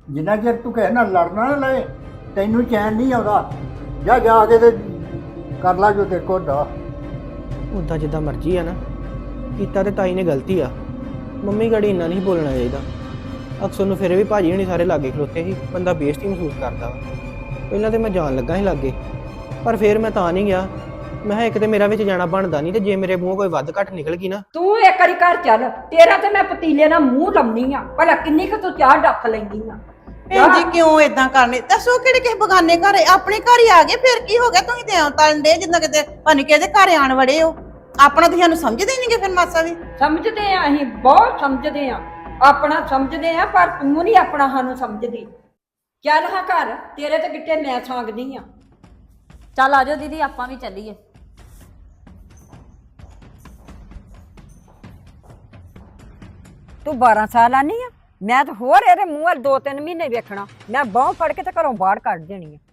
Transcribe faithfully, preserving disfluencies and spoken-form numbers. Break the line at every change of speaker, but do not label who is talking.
ਜਿੰਨਾ ਚਿਰ ਤੂੰ ਕਿਸੇ ਨਾਲ ਲੜਨਾ ਨਾ ਲਏ ਤੈਨੂੰ ਚੈਨ ਨਹੀਂ ਆਉਂਦਾ। ਜਾ ਜਾ ਕੇ ਤੇ ਕਰ ਲਾ ਜੋ ਤੇਰੇ ਕੋਲ ਦਾ।
ਉੱਦਾਂ ਜਿੱਦਾਂ ਮਰਜ਼ੀ ਆ ਨਾ, ਕੀਤਾ ਤੇ ਤਾਈ ਨੇ ਗਲਤੀ ਆ। ਮੰਮੀ ਗੜੀ ਇੰਨਾ ਨਹੀਂ ਬੋਲਣਾ ਚਾਹੀਦਾ। ਅਕਸਰ ਨੂੰ ਫਿਰ ਵੀ ਭਾਜੀ ਹੁਣੀ ਸਾਰੇ ਲਾਗੇ ਖਲੋਤੇ ਸੀ, ਬੰਦਾ ਬੇਇੱਜ਼ਤੀ ਮਹਿਸੂਸ ਕਰਦਾ ਵਾ। ਪਹਿਲਾਂ ਤੇ ਮੈਂ ਜਾਣ ਲੱਗਾ ਸੀ ਲਾਗੇ, ਪਰ ਫਿਰ ਮੈਂ ਤਾਂ ਨਹੀਂ ਗਿਆ। ਮੈਂ ਕਿਹਾ ਇੱਕ ਤੇ ਮੇਰਾ ਵਿੱਚ ਜਾਣਾ ਬਣਦਾ ਨਹੀਂ, ਤੇ ਜੇ ਮੇਰੇ ਮੂੰਹੋਂ ਕੋਈ ਵੱਧ ਘੱਟ ਨਿਕਲ ਗਈ ਨਾ।
ਤੂੰ ਇੱਕ ਵਾਰੀ ਘਰ ਚੱਲ, ਤੇਰਾ ਤੇ ਮੈਂ ਪਤੀਲੇ ਨਾਲ ਮੂੰਹ ਲਾਉਣੀ ਆ। ਭਲਾ ਕਿੰਨੀ ਕੁ ਤੂੰ ਚਾਹ ਡੱਫ ਲੈਂਦੀ ਆ।
ਭੈਣ ਜੀ ਕਿਉਂ ਇਦਾਂ ਕਰਨੇ? ਦੱਸੋ ਕਿਹੜੇ ਕਿਸੇ ਬਗਾਨੇ ਘਰ ਆਪਣੇ ਘਰ ਹੀ ਆ ਗਏ, ਫਿਰ ਕੀ ਹੋ ਗਿਆ? ਤੁਸੀਂ ਤੇ ਤਲਣ ਦੇ ਜਿੰਨਾ ਕਿਤੇ ਭਾਨੀ ਕਿਹਦੇ ਘਰ ਆਣ ਵੜੇ ਹੋ। ਆਪਣਾ ਤੁਸੀਂ ਸਾਨੂੰ ਸਮਝਦੇ ਨਹੀਂਗੇ ਫਿਰ ਮਾਸਾ ਵੀ।
ਸਮਝਦੇ ਆ, ਅਸੀਂ ਬਹੁਤ ਸਮਝਦੇ ਆ, ਆਪਣਾ ਸਮਝਦੇ ਆ, ਪਰ ਤੂੰ ਨਹੀਂ ਆਪਣਾ ਸਾਨੂੰ ਸਮਝਦੀ। ਚੱਲ ਹਾਂ ਘਰ, ਤੇਰੇ ਤੇ ਗਿੱਟੇ ਮੈਂ ਸਾਂਗਦੀ ਆ।
ਚੱਲ ਆਜੋ ਦੀਦੀ ਆਪਾਂ ਵੀ ਚੱਲੀਏ।
ਤੂੰ ਬਾਰਾਂ ਸਾਲ ਆਨੀ ਆ, ਮੈਂ ਤਾਂ ਹੋਰ ਇਹਦੇ ਮੂੰਹ ਵੱਲ ਦੋ ਤਿੰਨ ਮਹੀਨੇ ਵੇਖਣਾ। ਮੈਂ ਬਾਂਹ ਫੜ ਕੇ ਤੇ ਘਰੋਂ ਬਾਹਰ ਕੱਢ ਦੇਣੀ ਆ।